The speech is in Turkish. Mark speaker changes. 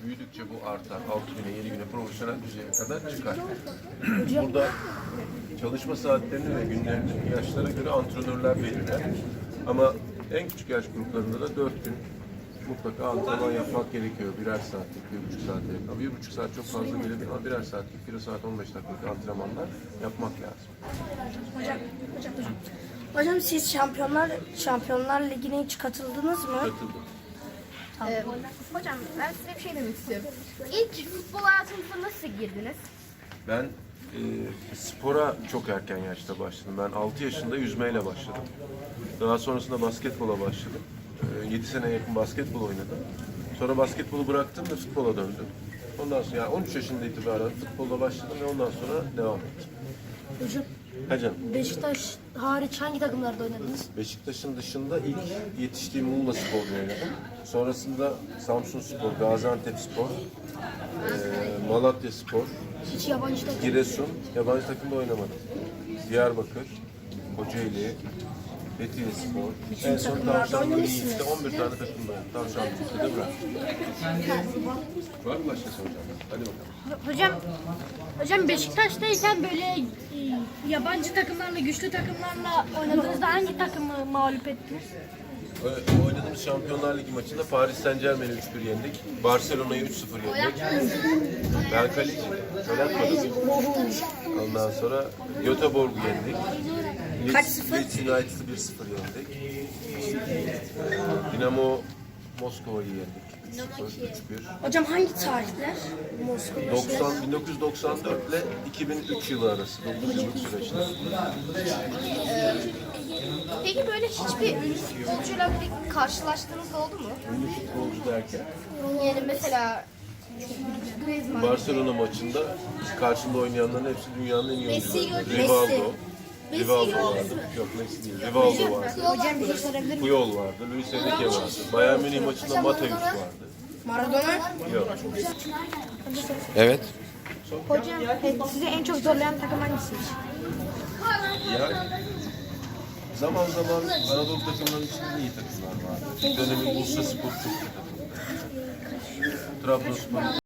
Speaker 1: Büyüdükçe bu artar. 6 güne, 7 güne profesyonel düzeye kadar çıkar. Burada çalışma saatlerini ve günlerini yaşlara göre antrenörler belirler. Ama en küçük yaş gruplarında da 4 gün mutlaka antrenman yapmak gerekiyor. Birer saatlik, 1,5 saatlik. Ama 1,5 saat çok fazla gelebilir ama birer saatlik, 1 saat 15 dakikalık antrenmanlar yapmak lazım.
Speaker 2: Hocam siz Şampiyonlar Ligi'ne hiç katıldınız mı?
Speaker 1: Katıldım.
Speaker 3: Hocam ben size bir şey demek istiyorum. İlk futbol hayatınıza nasıl girdiniz?
Speaker 1: Ben spora çok erken yaşta başladım. Ben 6 yaşında yüzmeyle başladım. Daha sonrasında basketbola başladım. 7 sene yakın basketbol oynadım. Sonra basketbolu bıraktım ve futbola döndüm. Ondan sonra yani 13 yaşında itibaren futbolla başladım ve ondan sonra devam ettim.
Speaker 2: Hocam
Speaker 1: Ha canım.
Speaker 2: Beşiktaş hariç hangi takımlarda oynadınız?
Speaker 1: Beşiktaş'ın dışında ilk yetiştiğim Muğla Spor'da oynadım. Sonrasında Samsun Spor, Gaziantep Spor, Malatya Spor,
Speaker 2: Hiç yabancı takım.
Speaker 1: Giresun, yabancı takımda oynamadım. Diyarbakır, Kocaeli, Fethiye Spor. En son Tavşanlı Yiğit'te 11 tane takımda. Tavşanlı Yiğit'te de bıraktım. Var mı başka soracağım? Hadi bakalım.
Speaker 4: Hocam Beşiktaş'tayken böyle yabancı takımlarla, güçlü takımlarla oynadığınızda hangi takımı mağlup ettiniz?
Speaker 1: Oynadığımız Şampiyonlar Ligi maçında Paris Saint-Germain'i 3-1 yendik. Barcelona'yı 3-0 yendik. Ben kaleciydim. Gol atmadım. Ondan sonra Göteborg'u yendik.
Speaker 2: Kaç sıfır?
Speaker 1: Leeds United'ı 1-0 yendik. Dinamo Moskova'yı yendik. 3-1.
Speaker 2: Hocam hangi tarihler? Moskova.
Speaker 1: 1994 ile 2003 yılı arası 9 yıllık süreçte.
Speaker 3: Peki böyle hiçbir ünlü futbolcuyla bir karşılaştığınız oldu mu?
Speaker 1: Ünlü futbolcu derken
Speaker 3: Yani mesela Griezmann.
Speaker 1: Barcelona maçında karşında oynayanların hepsi dünyanın en iyi oyuncuları.
Speaker 3: Messi.
Speaker 1: Rivaldo. Rivaldo vardı. Yok Messi değil. Rivaldo vardı.
Speaker 2: Hocam bir şey sorabilir miyim?
Speaker 1: Puyol vardı. Luis Enrique vardı. Bayern Münih maçında Mateus vardı.
Speaker 2: Maradona.
Speaker 1: Yok.
Speaker 5: Evet.
Speaker 4: Hocam sizi en çok zorlayan takım hangisi?
Speaker 1: Yani zaman zaman Anadolu takımlarının içinde iyi takımlar vardı. Bir dönemin Bursaspor çok iyi takımdı. Trabzonspor